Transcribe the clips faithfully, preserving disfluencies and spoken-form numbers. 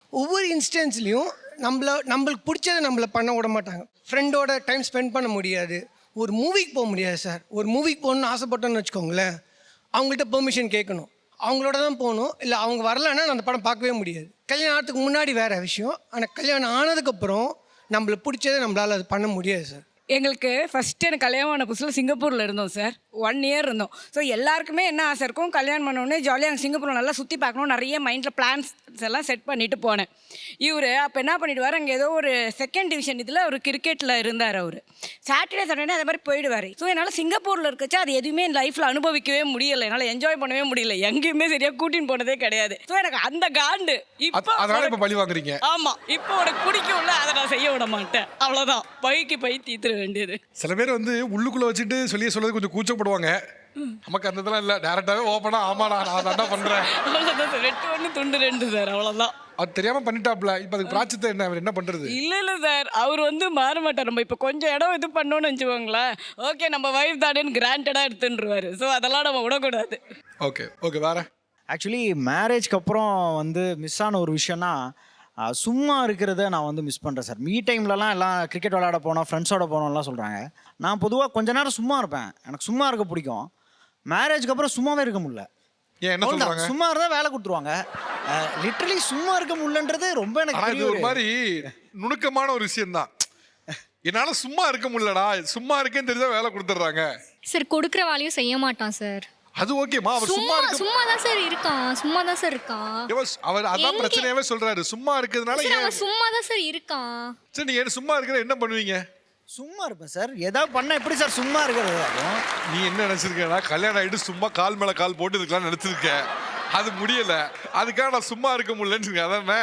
ஒவ்வொரு இன்ஸ்டன்ஸ்லேயும் நம்மள நம்மளுக்கு பிடிச்சதை நம்மளை பண்ண விட மாட்டாங்க. ஃப்ரெண்டோட டைம் ஸ்பெண்ட் பண்ண முடியாது, ஒரு மூவிக்கு போக முடியாது சார். ஒரு மூவிக்கு போகணுன்னு ஆசைப்பட்டோன்னு வச்சுக்கோங்களேன், அவங்கள்ட்ட பெர்மிஷன் கேட்கணும், அவங்களோட தான் போகணும். இல்லை அவங்க வரலைன்னா நான் அந்த படம் பார்க்கவே முடியாது. கல்யாணம் ஆகிறதுக்கு முன்னாடி வேறு விஷயம், ஆனால் கல்யாணம் ஆனதுக்கப்புறம் நம்மளுக்கு பிடிச்சதை நம்மளால் அது பண்ண முடியாது சார். எங்களுக்கு ஃபஸ்ட்டு எனக்கு கல்யாணம் ஆன புதுசில் சிங்கப்பூரில் இருந்தோம் சார். ஒன் இயர் இருந்தோம். ஸோ எல்லாருக்குமே என்ன ஆசை இருக்கும், கல்யாணம் பண்ணோடனே ஜாலியாக அங்கே சிங்கப்பூரில் நல்லா சுற்றி பார்க்கணும், நிறைய மைண்டில் பிளான்ஸ் எல்லாம் செட் பண்ணிவிட்டு போனேன். இவர் அப்போ என்ன பண்ணிவிடுவார், அங்கே ஏதோ ஒரு செகண்ட் டிவிஷன் இதில் அவர் கிரிக்கெட்டில் இருந்தார். அவர் சாட்டர்டே சாட்டர்டே அதே மாதிரி போயிடுவார். ஸோ என்னால் சிங்கப்பூரில் இருக்கச்சு அது எதுவுமே என் லைஃப்பில் அனுபவிக்கவே முடியலை, என்னால் என்ஜாய் பண்ணவே முடியல, எங்கேயுமே சரியாக கூட்டின்னு போனதே கிடையாது. ஸோ எனக்கு அந்த காண்டு இப்போ இப்போ பழி வாங்குறீங்க. ஆமாம், இப்போ உனக்கு பிடிக்கும்ல, அதை நான் செய்ய விட மாட்டேன், அவ்வளோதான், பைக்கு பை தீத்துற வேண்டியது. சில பேர் வந்து உள்ளுக்குள்ள வச்சுட்டு சொல்லிய சொல்றது கொஞ்சம் கூச்சப்படுவாங்க. நமக்கு அந்த இதெல்லாம் இல்லை, டேரக்டாகவே ஓப்பனா ஆமா நான் நான் தான் பண்ணுறேன், அவ்வளோதான் சார். ரெட்டு ஒன்று துண்டு ரெண்டு சார், அவ்வளோதான். அது தெரியாம பண்ணிட்டாப்ல. இப்போ அதுக்கு பிராச்சித்தை என்ன, அவர் என்ன பண்றது? இல்லை இல்லை சார், அவர் வந்து மாற மாட்டார். நம்ம இப்போ கொஞ்சம் இடம் இது பண்ணோன்னு வச்சுக்கோங்களேன், ஓகே நம்ம வைஃப் தானேன்னு கிராண்டடாக எடுத்துருவார். ஸோ அதெல்லாம் நம்ம விடக்கூடாது. ஓகே ஓகே வேற. ஆக்சுவலி மேரேஜ்க்கு அப்புறம் வந்து மிஸ் ஆன ஒரு விஷயம்னா சும்மா இருக்கிறத நான் வந்து மிஸ் பண்ணுறேன் சார். மீ டைம்லலாம் எல்லாம் கிரிக்கெட் விளையாட போனோம், ஃப்ரெண்ட்ஸோட போனோம்லாம் சொல்கிறாங்க. நான் பொதுவாக கொஞ்ச நேரம் சும்மா இருப்பேன், எனக்கு சும்மா இருக்க பிடிக்கும். மேரேஜ்க்கு அப்புறம் சும்மாவே இருக்க முடியல. ஏன் என்ன சொல்றாங்க? சும்மா இருந்தால் வேலை கொடுத்துருவாங்க. லிட்டரலி சும்மா இருக்க முடியலன்றது ரொம்ப எனக்கு ஒரு மாதிரி நுணுக்கமான ஒரு விஷயம் தான். என்னால சும்மா இருக்க முடியலடா, சும்மா இருக்கேன்னு தெரிஞ்சா வேலை கொடுத்துட்றாங்க சார். கொடுக்குற வேலையும் செய்ய மாட்டான் சார். அது ஓகேமா, அவர் சும்மா இருக்க சும்மா தான் சார் இருக்கான், சும்மா தான் சார் இருக்கான். அவர் அதான் பிரச்சனையாவே சொல்றாரு, சும்மா இருக்கிறதுனால. அவன் சும்மா தான் சார் இருக்கான். சரி நீங்க சும்மா இருக்கிற என்ன பண்ணுவீங்க? சும்மா இருப்பேன் சார். ஏதாவது பண்ண எப்படி சார் சும்மா இருக்கிறது? நீ என்ன நினைச்சிருக்கா, கல்யாணம் ஆகிட்டு சும்மா கால் மேல கால் போட்டு இதுக்கெல்லாம் நினைச்சிருக்க, அது முடியல, அதுக்காக நான் சும்மா இருக்க முடியலன்னு அதானே.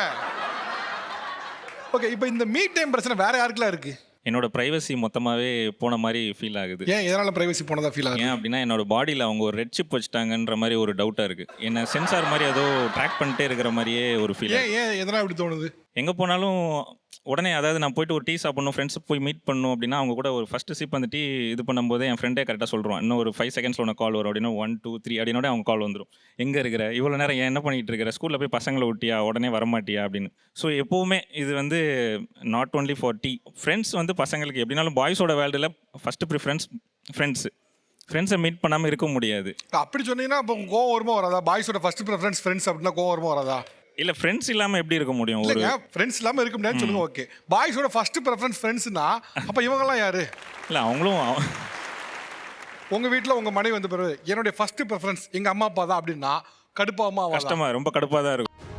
ஓகே, இப்போ இந்த மீட் டைம் பிரச்சனை வேற யாருக்குலாம் இருக்கு? என்னோட ப்ரைவசி மொத்தமாகவே போன மாதிரி ஃபீல் ஆகுது. ஏன் எதனால் ப்ரைவசி போனதா ஃபீல் ஆகுது? ஏன் அப்படின்னா என்னோட பாடியில் அவங்க ஒரு ரெட் சிப் வச்சுட்டாங்கன்ற மாதிரி ஒரு டவுட்டாக இருக்குது. என்ன சென்சார் மாதிரி ஏதோ ட்ராக் பண்ணிட்டே இருக்கிற மாதிரியே ஒரு ஃபீல். ஏன் ஏன் எதனால் இப்படி தோணுது? எங்கே போனாலும் உடனே, அதாவது நான் போயிட்டு ஒரு டீ சாப்பிடணும், ஃப்ரெண்ட்ஸ் போய் மீட் பண்ணணும் அப்படின்னா அவங்க கூட ஒரு ஃபஸ்ட்டு சிப் அந்த டீ இது பண்ணும்போது என் ஃப்ரெண்டே கரெக்டாக சொல்கிறோம், இன்னும் ஒரு ஃபைவ் செகண்ட்ஸில் உனக்கு கால் வரும் அப்படின்னா ஒன் டூ த்ரீ அப்படின்னோட அவங்க கால் வந்துடும். எங்கே இருக்கிற, இவ்வளோ நேரம் ஏன் என்ன பண்ணிகிட்டு இருக்கிற, ஸ்கூலில் போய் பசங்களை விட்டியா, உடனே வரமாட்டியா அப்படின்னு. ஸோ எப்போவுமே இது வந்து not only for tea. Friends வந்து பசங்களுக்கு எப்படினாலும் பாய்ஸோட வேர்ல்டில் ஃபஸ்ட்டு ப்ரிஃபரன்ஸ் ஃப்ரெண்ட்ஸு. ஃப்ரெண்ட்ஸை மீட் பண்ணாமல் இருக்க முடியாது. அப்படி சொன்னீங்கன்னா இப்போ கோவம் வருமா வராதா? பாய்ஸோட ஃபர்ஸ்ட் ப்ரிஃபரன்ஸ் ஃப்ரெண்ட்ஸ் அப்படின்னா கோவம் வருமா வராதா? இல்லை, ஃப்ரெண்ட்ஸ் இல்லாமல் எப்படி இருக்க முடியும்? ஒரு ஃப்ரெண்ட்ஸ் இல்லாமல் இருக்க முடியாதுன்னு சொல்லுங்க. ஓகே, பாய்ஸோட ஃபர்ஸ்ட் ப்ரிஃபரன்ஸ் ஃப்ரெண்ட்ஸ்னா அப்போ இவங்கெல்லாம் யாரு? இல்லை, அவங்களும் உங்கள் வீட்டில் உங்கள் மனைவி வந்த பிறகு என்னுடைய ஃபர்ஸ்ட் ப்ரிஃபரன்ஸ் எங்கள் அம்மா அப்பா தான் அப்படின்னா கடுப்பாமா? கஷ்டமாக, ரொம்ப கடுப்பாக தான் இருக்கும்.